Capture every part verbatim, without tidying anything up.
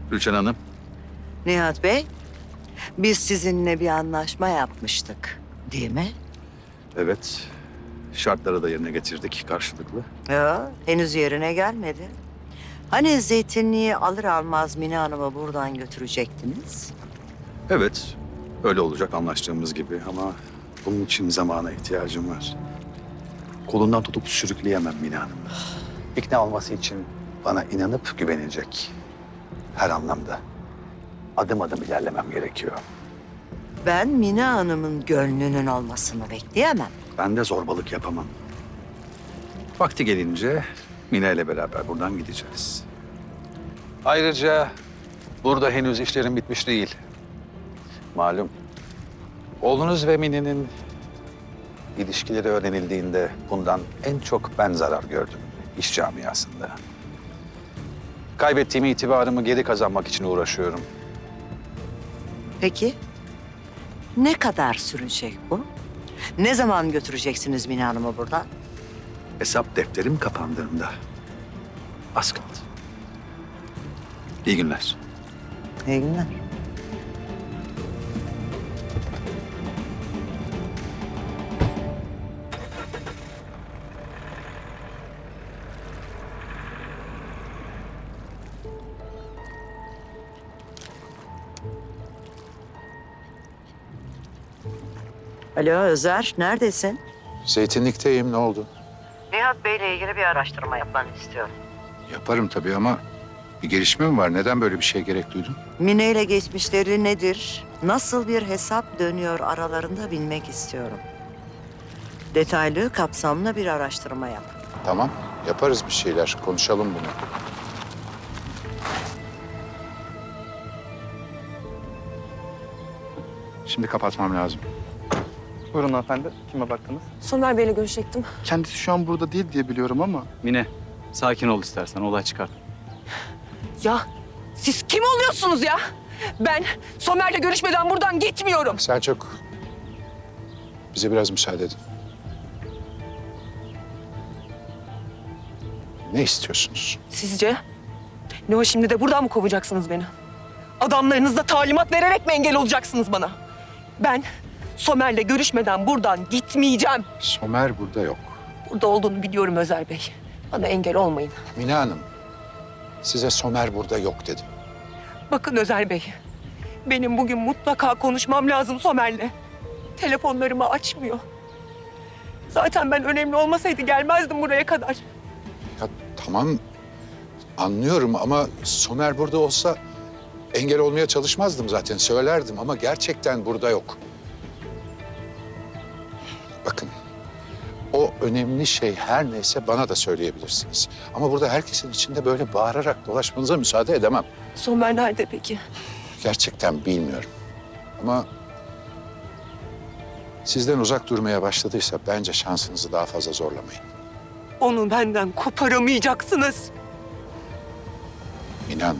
Rüçhan Hanım. Nihat Bey, biz sizinle bir anlaşma yapmıştık, değil mi? Evet. Şartları da yerine getirdik karşılıklı. Ya, henüz yerine gelmedi. Hani zeytinliği alır almaz Mine Hanım'ı buradan götürecektiniz? Evet. Öyle olacak anlaştığımız gibi ama bunun için zamana ihtiyacım var. Kolundan tutup sürükleyemem Mine Hanım. İkna olması için bana inanıp güvenecek. Her anlamda. Adım adım ilerlemem gerekiyor. Ben Mine Hanım'ın gönlünün olmasını bekleyemem. Ben de zorbalık yapamam. Vakti gelince Mine ile beraber buradan gideceğiz. Ayrıca burada henüz işlerim bitmiş değil. Malum. Oğlunuz ve Mine'nin ilişkileri öğrenildiğinde bundan en çok ben zarar gördüm iş camiasında. Kaybettiğim itibarımı geri kazanmak için uğraşıyorum. Peki, ne kadar sürecek bu? Ne zaman götüreceksiniz Mine Hanım'ı buradan? Hesap defterim kapandığında. Az kaldı. İyi günler. İyi günler. Alo Özer, neredesin? Zeytinlikteyim, ne oldu? Nihat Bey'le ilgili bir araştırma yapmanı istiyorum. Yaparım tabii ama bir gelişme mi var? Neden böyle bir şeye gerek duydun? Mine ile geçmişleri nedir? Nasıl bir hesap dönüyor aralarında bilmek istiyorum. Detaylı, kapsamlı bir araştırma yap. Tamam, yaparız bir şeyler. Konuşalım bunu. Şimdi kapatmam lazım. Buyurun hanımefendi. Kime baktınız? Somer Bey'le görüşecektim. Kendisi şu an burada değil diye biliyorum ama... Mine, sakin ol istersen. Olay çıkar. Ya siz kim oluyorsunuz ya? Ben Somer'le görüşmeden buradan gitmiyorum. Selçuk, bize biraz müsaade edin. Ne istiyorsunuz? Sizce? Ne o şimdi de buradan mı kovacaksınız beni? Adamlarınızla talimat vererek mi engel olacaksınız bana? Ben Somer'le görüşmeden buradan gitmeyeceğim. Somer burada yok. Burada olduğunu biliyorum Özer Bey. Bana engel olmayın. Mine Hanım, size Somer burada yok dedim. Bakın Özer Bey, benim bugün mutlaka konuşmam lazım Somer'le. Telefonlarımı açmıyor. Zaten ben önemli olmasaydı gelmezdim buraya kadar. Ya tamam, anlıyorum ama Somer burada olsa engel olmaya çalışmazdım zaten, söylerdim ama gerçekten burada yok. Bakın, o önemli şey her neyse bana da söyleyebilirsiniz. Ama burada herkesin içinde böyle bağırarak dolaşmanıza müsaade edemem. Somer nerede peki? Gerçekten bilmiyorum. Ama sizden uzak durmaya başladıysa bence şansınızı daha fazla zorlamayın. Onu benden koparamayacaksınız. İnan.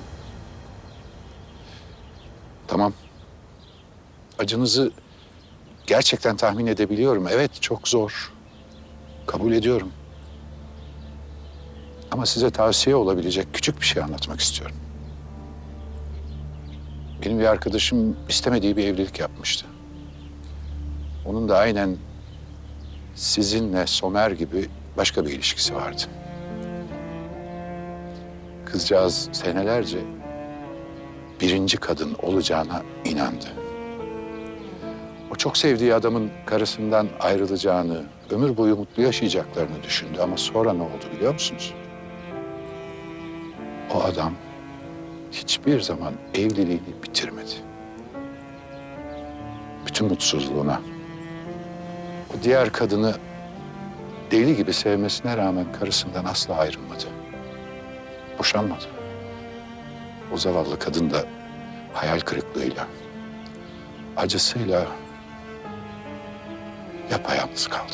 Tamam. Acınızı gerçekten tahmin edebiliyorum. Evet, çok zor. Kabul ediyorum. Ama size tavsiye olabilecek küçük bir şey anlatmak istiyorum. Benim bir arkadaşım istemediği bir evlilik yapmıştı. Onun da aynen sizinle Somer gibi başka bir ilişkisi vardı. Kızcağız senelerce birinci kadın olacağına inandı. O çok sevdiği adamın karısından ayrılacağını, ömür boyu mutlu yaşayacaklarını düşündü. Ama sonra ne oldu biliyor musunuz? O adam hiçbir zaman evliliğini bitirmedi. Bütün mutsuzluğuna, o diğer kadını deli gibi sevmesine rağmen karısından asla ayrılmadı. Boşanmadı. O zavallı kadın da hayal kırıklığıyla, acısıyla yapayalnız kaldı.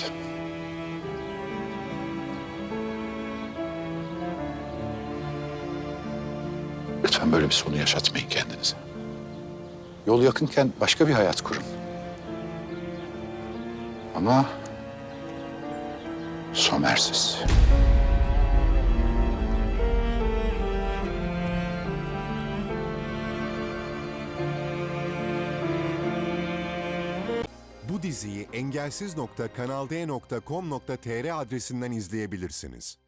Lütfen böyle bir sonu yaşatmayın kendinize. Yol yakınken başka bir hayat kurun. Ama Somer'siz. Bu diziyi engelsiz nokta kanalde nokta com nokta tr adresinden izleyebilirsiniz.